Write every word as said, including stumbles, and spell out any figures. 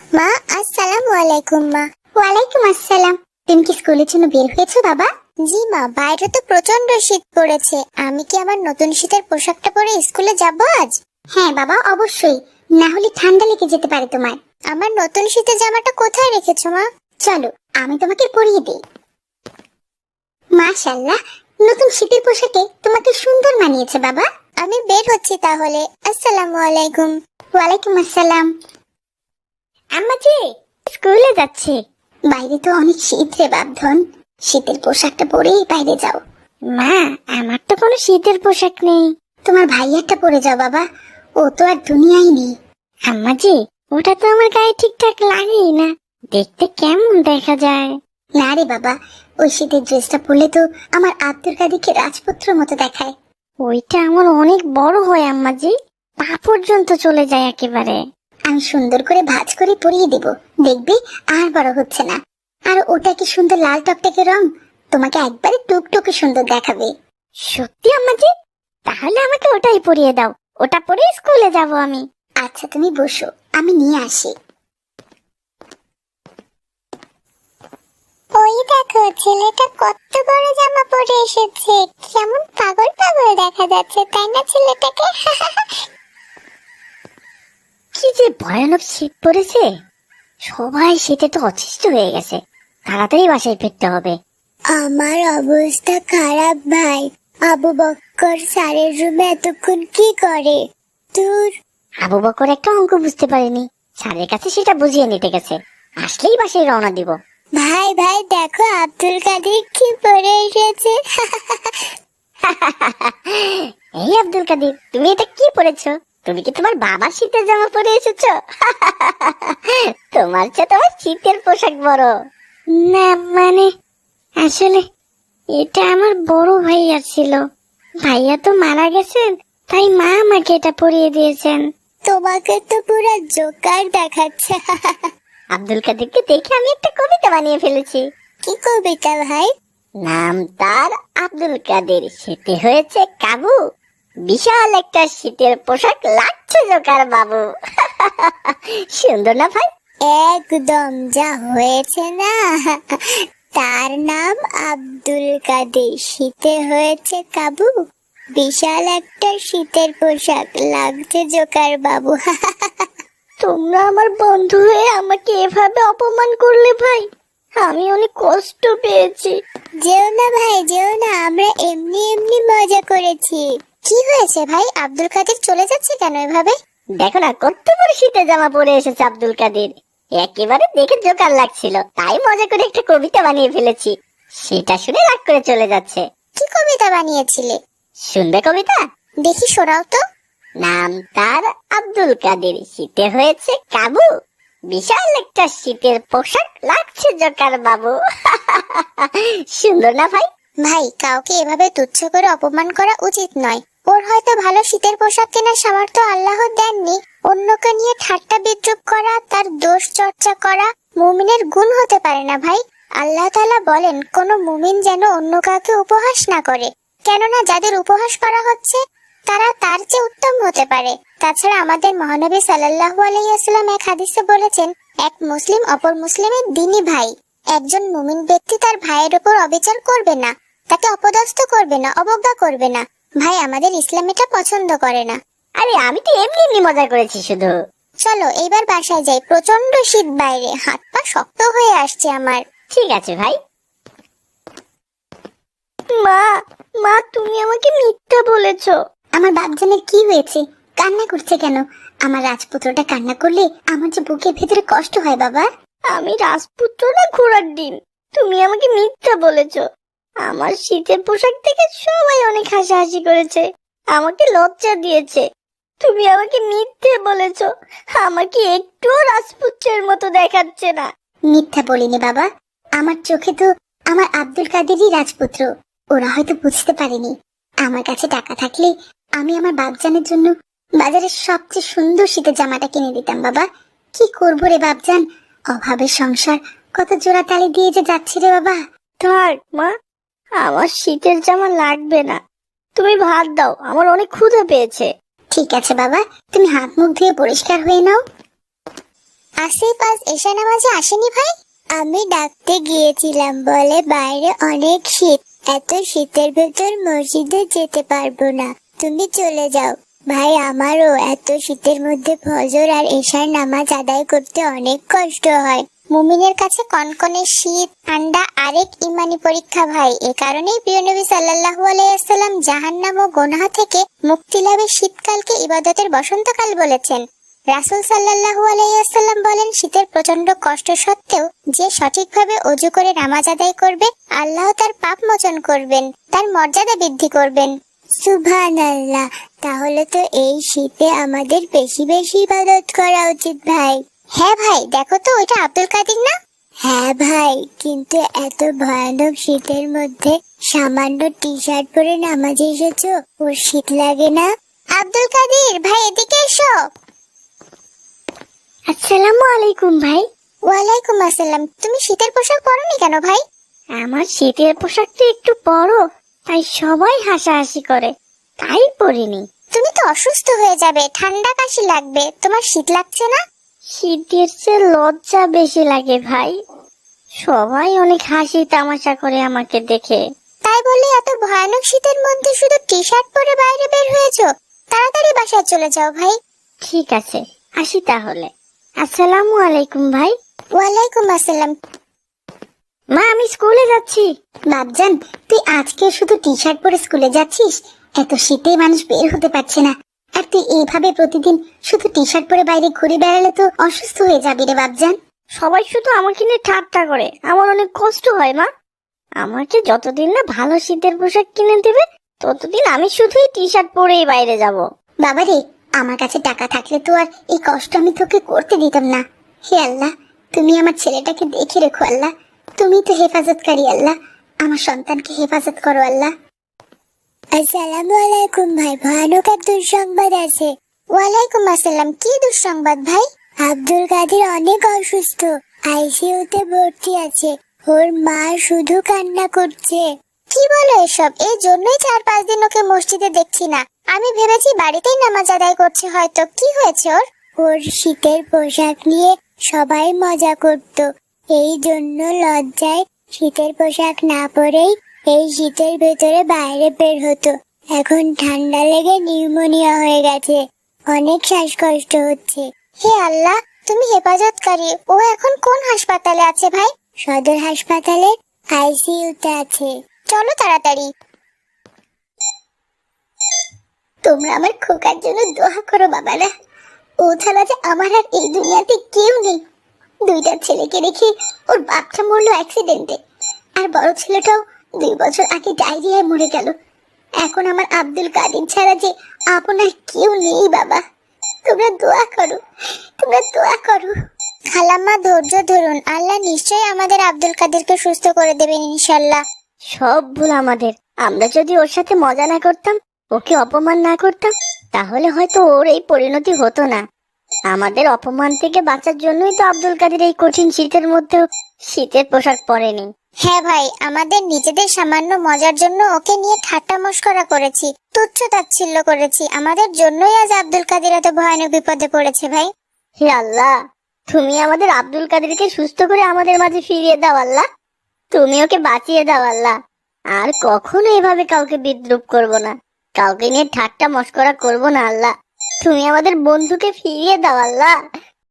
মা আসসালামু আলাইকুম। মা ওয়ালাইকুম আসসালাম। তুমি কি স্কুলের জন্য বের হয়েছো বাবা? জি মা, বাইরে তো প্রচন্ড শীত পড়েছে। আমি কি আমার নতুন শীতের পোশাকটা পরে স্কুলে যাব আজ? হ্যাঁ বাবা, অবশ্যই, না হলে ঠান্ডা লেগে যেতে পারে তোমার। আমার নতুন শীতের জামাটা কোথায় রেখেছো মা? চলো আমি তোমাকে পরিয়ে দিই। মাশাআল্লাহ, নতুন শীতের পোশাকে তোমাকে সুন্দর মানিয়েছে বাবা। আমি বের হচ্ছি তাহলে। আসসালামু আলাইকুম। ওয়ালাইকুম আসসালাম। আম্মা জি, স্কুলে যাচ্ছে। বাইরে তো অনেক শীত রে বাপধন, শীতের পোশাকটা পরেই বাইরে যাও। মা, আমার তো কোনো শীতের পোশাক নেই। তোমার ভাইয়ারটা পরে যাও বাবা, ও তো আর দুনিয়ায় নেই। আম্মা জি, ওটা তো আমার গায়ে ঠিকঠাক লাগেই না, দেখতে কেমন দেখা যায়। না রে বাবা, ওই শীতের ড্রেসটা পরলে তো আমার আব্দুল কাদিরকে রাজপুত্র মতো দেখায়। ওইটা আমার অনেক বড় হয় আম্মা জি, পা পর্যন্ত চলে যায় একেবারে। আমি সুন্দর করে ভাঁজ করে পরিয়ে দেব, দেখবি আর বড় হচ্ছে না। আর ওটা কি সুন্দর লাল টকটকে রং, তোমাকে একবারে টুকটুকে সুন্দর দেখাবে। সত্যি আম্মাজি? তাহলে আমাকে ওটাই পরিয়ে দাও, ওটা পরে স্কুলে যাব আমি। আচ্ছা তুমি বসো, আমি নিয়ে আসি। ওই দেখো, ছেলেটা কত বড় জামা পরে এসেছে, কেমন পাগল পাগল দেখা যাচ্ছে, তাই না ছেলেটাকে? কি যে ভয়ানক শীত পড়েছে, সবাই শীতে তো অতিষ্ঠ হয়ে গেছে, তাড়াতাড়ি বাসায় ফিরতে হবে। আমার অবস্থা খারাপ ভাই, আবু বক্কর স্যারের রুমে এতক্ষণ কি করে? দূর, আবু বক্কর একটা অঙ্ক বুঝতে পারেনি, স্যারের কাছে সেটা বুঝিয়ে নিতে গেছে, আসলেই বাসায় রওনা দিব। ভাই ভাই দেখো, আব্দুল কাদের কি পরে এসেছে। এই আব্দুল কাদের, তুমি এটা কি পরেছো? তুমি কি তোমার বাবার শীতের জামা পরে এসেছো? তোমার চেয়ে তোমার শীতের পোশাক বড়। না মানে, আসলে এটা আমার বড় ভাইয়া ছিল, ভাইয়া তো মারা গেছেন, তাই মা আমাকে এটা পরিয়ে দিয়েছেন। তোমাকে তো পুরো জোকার দেখাচ্ছে। আব্দুল কাদেরকে দেখে আমি একটা কবিতা বানিয়ে ফেলেছি। কি কবিতা ভাই? নাম তার আব্দুল কাদের, শীতে হয়েছে কাবু, বিশাল একটা শীতের পোশাক লাগছে জোকার বাবু। সুন্দর না ভাই? একদম, যা হয়েছে না। তার নাম আব্দুল কাদের, শীতে হয়েছে কাবু, বিশাল একটা শীতের পোশাক লাগছে জোকার বাবু। তোমরা আমার বন্ধু হয়ে আমাকে এভাবে অপমান করলে ভাই, আমি অনেক কষ্ট পেয়েছি। যেও না ভাই, যেও না, আমরা এমনি এমনি মজা করেছি। কি হয়েছে ভাই, আব্দুল কাদের চলে যাচ্ছে কেন এভাবে? দেখো না, কত বড় শীতের জামা পরে এসেছে আব্দুল কাদের, একেবারে দেখে জোকার লাগছিল, তাই মজা করে একটা কবিতা বানিয়ে ফেলেছি, সেটা শুনে রাগ করে চলে যাচ্ছে। কি কবিতা বানিয়েছিলে? শুনবে কবিতা? দেখি শোনাও তো। নাম তার আব্দুল কাদের, শীতে হয়েছে কাবু, বিশাল একটা শীতের পোশাক লাগছে জোকার বাবু। সুন্দর না ভাই? ভাই, কাউকে এভাবে তুচ্ছ করে অপমান করা উচিত নয়। ওর হয়তো ভালো শীতের পোশাক কেনার সামর্থ্য আল্লাহ দেননি, অন্যকে নিয়ে ঠাট্টা বিদ্রুপ করা, তার দোষ চর্চা করা মুমিনের গুণ হতে পারে না ভাই। আল্লাহ তাআলা বলেন, কোন মুমিন যেন অন্য কাউকে উপহাস না করে, কেননা যাদের উপহাস করা হচ্ছে তারা তার চেয়ে উত্তম হতে পারে। তাছাড়া আমাদের মহানবী সাল্লাল্লাহু আলাইহি ওয়াসাল্লাম এক হাদিসে বলেছেন, এক মুসলিম অপর মুসলিমের দ্বীনী ভাই। একজন মুমিন ব্যক্তি তার ভাইয়ের উপর অবিচার করবে না, তাকে অপদস্থ করবে না, অবজ্ঞা করবে না। ভাই, আমাদের ইসলাম এটা পছন্দ করে না। আরে আমি তো এমনি এমনি মজা করেছি শুধু। চলো এইবার বাসায় যাই, প্রচন্ড শীত বাইরে, হাত পা শক্ত হয়ে আসছে আমার। ঠিক আছে ভাই। মা, মা তুমি আমাকে মিথ্যা বলেছো। আমার বাপজানের কি হয়েছে, কান্না করছে কেন? আমার রাজপুত্রটা কান্না করলে আমার যে বুকের ভেতরে কষ্ট হয় বাবা। আমি রাজপুত্র না ঘোড়ার ডিম, তুমি আমাকে মিথ্যা বলেছো। আমার শীতের পোশাক থেকে সবাই অনেক হাসাহাসি করেছে, আমাকে লজ্জা দিয়েছে। তুমি আমাকে মিথ্যে বলেছো, আমাকে একটুও রাজপুত্রের মতো দেখাচ্ছে না। মিথ্যা বলিনি বাবা, আমার চোখে তো আমার আব্দুল কাদেরই রাজপুত্র। ওরা হয়তো বুঝতে পারেনি। আমার কাছে টাকা থাকলে আমি আমার বাপজানের জন্য বাজারের সবচেয়ে সুন্দর শীতের জামাটা কিনে দিতাম বাবা। কি করবো রে বাপজান, অভাবের সংসার কত জোড়া তালি দিয়ে যে যাচ্ছে রে বাবা। থাক মা, আমার শীতের জামা লাগবে না, তুমি ভাত দাও, আমার অনেক ক্ষুধা পেয়েছে। ঠিক আছে বাবা, তুমি হাত মুখ ধুয়ে পরিষ্কার হয়ে নাও। আসিফ আজ এশা নামাজে আসেনি ভাই? আমি ডাকতে গিয়েছিলাম, বলে বাইরে অনেক শীত, এত শীতের ভেতর মসজিদে যেতে পারবো না, তুমি চলে যাও। ভাই আমারও এত শীতের মধ্যে ফজর আর এশার নামাজ আদায় করতে অনেক কষ্ট হয়। মুমিনের কাছে কনকনে শীত ঠান্ডা আরেক ইমানি পরীক্ষা ভাই। এ কারণেই প্রিয় নবী সাল্লাল্লাহু আলাইহি ওয়াসাল্লাম জাহান্নাম ও গুনাহ থেকে মুক্তি লাভের শীতকালকে ইবাদতের বসন্তকাল বলেছেন। রাসূল সাল্লাল্লাহু আলাইহি ওয়াসাল্লাম বলেন, শীতের প্রচন্ড কষ্ট সত্ত্বেও যে সঠিকভাবে ওযু করে নামাজ আদায় করবে, আল্লাহ তার পাপ মোচন করবেন, তার মর্যাদা বৃদ্ধি করবেন। সুবহানাল্লাহ। তাহলে তো এই শীতে আমাদের বেশি বেশি ইবাদত করা উচিত ভাই। হ্যাঁ ভাই, দেখো তো ওইটা আব্দুল কাদির না? হ্যাঁ ভাই, কিন্তু এত ভয়ানক শীতের মধ্যে সামান্য টি শার্ট পরে নামাজে এসেছো, ওর শীত লাগে না? আব্দুল কাদির ভাই, এদিকে এসো। আসসালামু আলাইকুম ভাই। ওয়ালাইকুম আসসালাম। তুমি শীতের পোশাক পরোনি কেন ভাই? আমার শীতের পোশাকটা একটু বড়, তাই সবাই হাসাহাসি করে, তাই পরিনি। তুমি তো অসুস্থ হয়ে যাবে, ঠান্ডা কাশি লাগবে, তোমার শীত লাগছে না? শীতের চেয়ে লজ্জা বেশি লাগে ভাই, সবাই অনেক হাসি তামাশা করে আমাকে দেখে। তাই বলে এত ভয়ানক শীতের মধ্যে শুধু টি শার্ট পরে বাইরে বের হয়েছো? তাড়াতাড়ি বাসায় চলে যাও ভাই। ঠিক আছে, আসি তাহলে। আসসালামু আলাইকুম ভাই। ওয়ালাইকুম আসসালাম। মা, আমি স্কুলে যাচ্ছি। বাপজান, তুই আজকে শুধু টি শার্ট পরে স্কুলে যাচ্ছিস? এত শীতে মানুষ বের হতে পারছে না, আর তুই এইভাবে প্রতিদিন শুধু টি শার্ট পরে বাইরে ঘুরে বেড়ালে তো অসুস্থ হয়ে যাবি রে বাপজান। সবাই শুধু আমাকে নিয়ে ঠাট্টা করে, আমার অনেক কষ্ট হয় মা। আমাকে যতদিন না ভালো শীতের পোশাক কিনে দেবে, ততদিন আমি শুধুই টি শার্ট পরেই বাইরে যাব। বাবারে, আমার কাছে টাকা থাকলে তো আর এই কষ্ট আমি তোকে করতে দিতাম না। হে আল্লাহ, তুমি আমার ছেলেটাকে দেখে রেখো আল্লাহ, তুমি তো হেফাজতকারী আল্লাহ, আমার সন্তানকে হেফাজত করো আল্লাহ। আসসালামু আলাইকুম ভাই, ভয়ানক এক দুঃসংবাদ আছে। ওয়ালাইকুম আসসালাম। কি দুঃসংবাদ ভাই? আব্দুল কাদের অনেক অসুস্থ, আইসিইউতে ভর্তি আছে, ওর মা শুধু কান্না করছে। কি বলো এসব? এই জন্যই চার পাঁচ দিন ওকে মসজিদে দেখছি না। আমি ভেবেছি বাড়িতেই নামাজ আদায় করছে হয়তো। কি হয়েছে ওর? ওর শীতের পোশাক নিয়ে সবাই মজা করত, এই জন্য লজ্জায় শীতের পোশাক না পরেই এই শীতের ভেতরে বাইরে বের হতো। এখন ঠান্ডা লেগে নিউমোনিয়া হয়ে গেছে, অনেক শ্বাসকষ্ট হচ্ছে। হে আল্লাহ, তুমি হেফাজতকারী। ও এখন কোন হাসপাতালে আছে ভাই? সদর হাসপাতালে আইসিইউতে আছে। চলো তাড়াতাড়ি। তোমরা আমার খোকার জন্য দোয়া করো বাবারা, ও ছাড়া যে আমার আর এই দুনিয়াতে কেউ নেই। দুইটা ছেলেকে রেখে ওর বাপটা মরলো অ্যাক্সিডেন্টে, আর বড় ছেলেটাও দুই বছর আগে ডায়রিয়ায় মরে গেল। এখন আমার আব্দুল কাদের ছাড়া যে আপনার কেউ নেই বাবা। তোমরা দোয়া করো, তোমরা দোয়া করো। খালাম্মা ধৈর্য ধরুন, আল্লাহ নিশ্চয়ই আমাদের আব্দুল কাদেরকে সুস্থ করে দেবেন ইনশাল্লাহ। সব ভুল আমাদের। আমরা যদি ওর সাথে মজা না করতাম, ওকে অপমান না করতাম, তাহলে হয়তো ওর এই পরিণতি হতো না। আমাদের অপমান থেকে বাঁচার জন্যই তো আব্দুল কাদের এই কঠিন শীতের মধ্যেও শীতের পোশাক পরেনি। হ্যাঁ ভাই, আমাদের নিজেদের সামান্য মজার জন্য ওকে নিয়ে ঠাট্টা মশকরা করেছি, তুচ্ছ তাচ্ছিল্য করেছি। আমাদের জন্যই আজ আব্দুল কাদের এত ভয়ানক বিপদে পড়েছে ভাই। হে আল্লাহ, তুমি আমাদের আব্দুল কাদেরকে সুস্থ করে আমাদের মাঝে ফিরিয়ে দাও আল্লাহ। তুমি ওকে বাঁচিয়ে দাও আল্লাহ। আর কখনো এভাবে কাউকে বিদ্রুপ করব না, কাউকে নিয়ে ঠাট্টা মশকরা করব না আল্লাহ। তুমি আমাদের বন্ধুকে ফিরিয়ে দাও আল্লাহ।